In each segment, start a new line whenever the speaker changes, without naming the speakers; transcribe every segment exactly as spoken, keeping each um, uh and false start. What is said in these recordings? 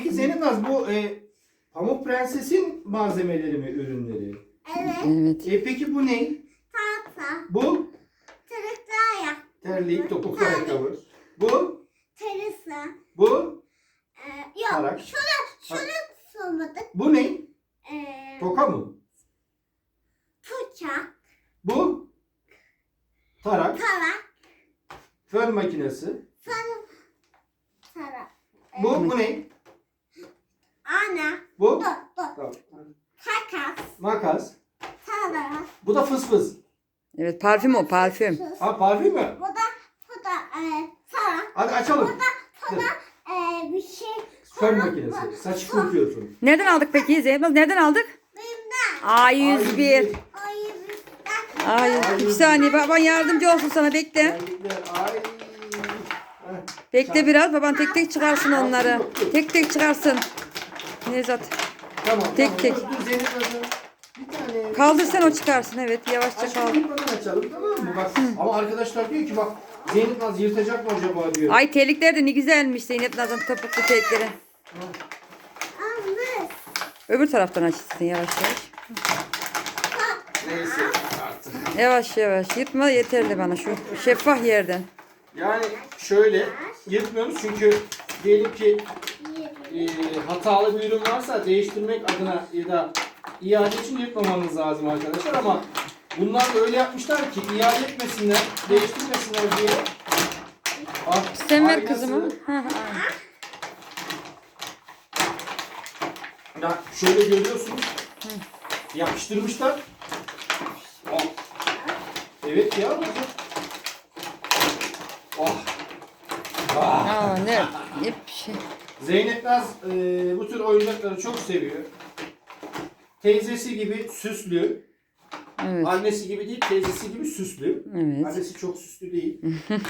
Peki Zeynep Naz, bu e, Pamuk Prenses'in malzemeleri mi, ürünleri?
Evet.
Evet.
E, peki bu ne?
Tahta.
Bu
Tırıklı ayak.
terlik, topuklu ayakkabı. Bu,
Terası.
bu,
Ee, yok.
tarak.
Şunu, şunu sormadık.
Bu ne?
Ee,
Toka mı?
bıçak.
Bu tarak,
Tarak.
fön makinesi.
Sarı. Tarak.
Bu, bu ne?
Ana.
Bu
Dur dur.
tamam.
Takas.
Makas.
Tarak.
Bu da fıs fıs.
Evet, parfüm o, parfüm.
Sus.
Ha, parfüm mü?
Bu da bu da e, tarak.
Hadi açalım.
Bu da e, bir şey.
Fön makinesi. Saçı kurutuyorsun.
Nereden aldık peki Zeynep Naz? Nereden aldık?
Bimden.
A yüz bir.
Ayı bizden.
A yüz bir. Bir saniye, baban yardımcı olsun sana, bekle.
Terlikler. Ay. Heh.
Bekle biraz, baban tek tek çıkarsın onları. Tek tek çıkarsın. Nevzat.
Tamam.
Tek
tamam.
tek.
Dur, dur Zeynep Hanım. Bir tane.
Kaldırsan o çıkarsın, evet, yavaşça
Açalım,
kaldır.
buradan açalım, tamam mı? Bak, ama arkadaşlar diyor ki bak, Zeynep Naz yırtacak mı acaba diyor.
Ay, terlikler de ne güzelmiş Zeynep Naz'ın topuklu terlikleri.
Almış.
Öbür taraftan açsın yavaş yavaş.
Neyse artık.
Yavaş yavaş, yırtma yeterli bana şu şeffaf yerden.
Yani şöyle yırtmıyoruz çünkü diyelim ki e, hatalı bir ürün varsa değiştirmek adına ya da iade için yırtmamamız lazım arkadaşlar, ama bunlar da öyle yapmışlar ki iade etmesinler, değiştirmesinler diye. Ah,
Sen ver
aynası.
kızımı. Hı hı.
Ya şöyle görüyorsunuz. Yapıştırmışlar. Ah. Evet ya. Oh. Ah.
Aa, ne? Ne bir şey.
Zeynep Naz e, bu tür oyuncakları çok seviyor. Teyzesi gibi süslü.
Evet.
Annesi gibi değil, teyzesi gibi süslü.
Evet.
Annesi çok süslü değil.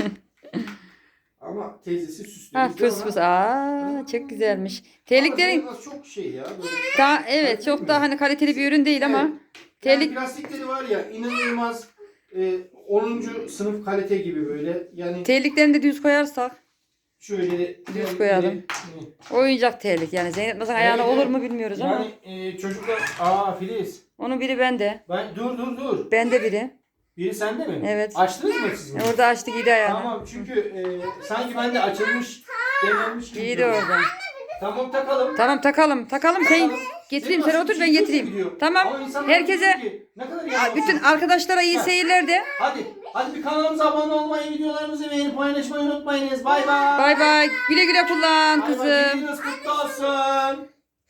Ama teyzesi süslü.
Ha,
Biz de
fıs
ona-
fıs. Aa, çok güzelmiş.
Ama
Terliklerin
Zeynep Naz çok şey ya. Böyle.
daha, evet, çok daha hani kaliteli bir ürün değil ama
Evet.
terlik
Yani plastikleri var ya, inanılmaz e, onuncu sınıf kalite gibi böyle. Yani
terliklerini de düz koyarsak
şöyle
Düz koyalım. oyuncak terlik yani Zeynep Naz'ın ayağına
Evet,
olur
evet.
mu bilmiyoruz ama
Yani e, çocuklar, aa Filiz.
onun biri bende.
Ben dur dur dur.
Bende biri.
Biri sende mi?
Evet.
Açtınız mı siz bunu?
Orada açtı, giydi ayağını.
Tamam, çünkü e, sanki bende açılmış, denemiş gibi.
Giydi
duruyor.
orada.
Tamam, takalım.
Tamam, takalım takalım, sen
Takalım.
getireyim,
Zeynep
sen
Naz,
otur ben
şimdi
getireyim.
gidiyor.
Tamam,
Ama insanlar diyor
herkese
ki, ne kadar
Aa,
yalnız.
bütün arkadaşlara iyi
Ha.
seyirler de.
Hadi, hadi bir kanalımıza abone olmayı, videolarımızı beğenip paylaşmayı unutmayınız. Bay bay.
Bay bay. Güle güle kullan
Bay bay,
kızım.
gününüz kutlu olsun.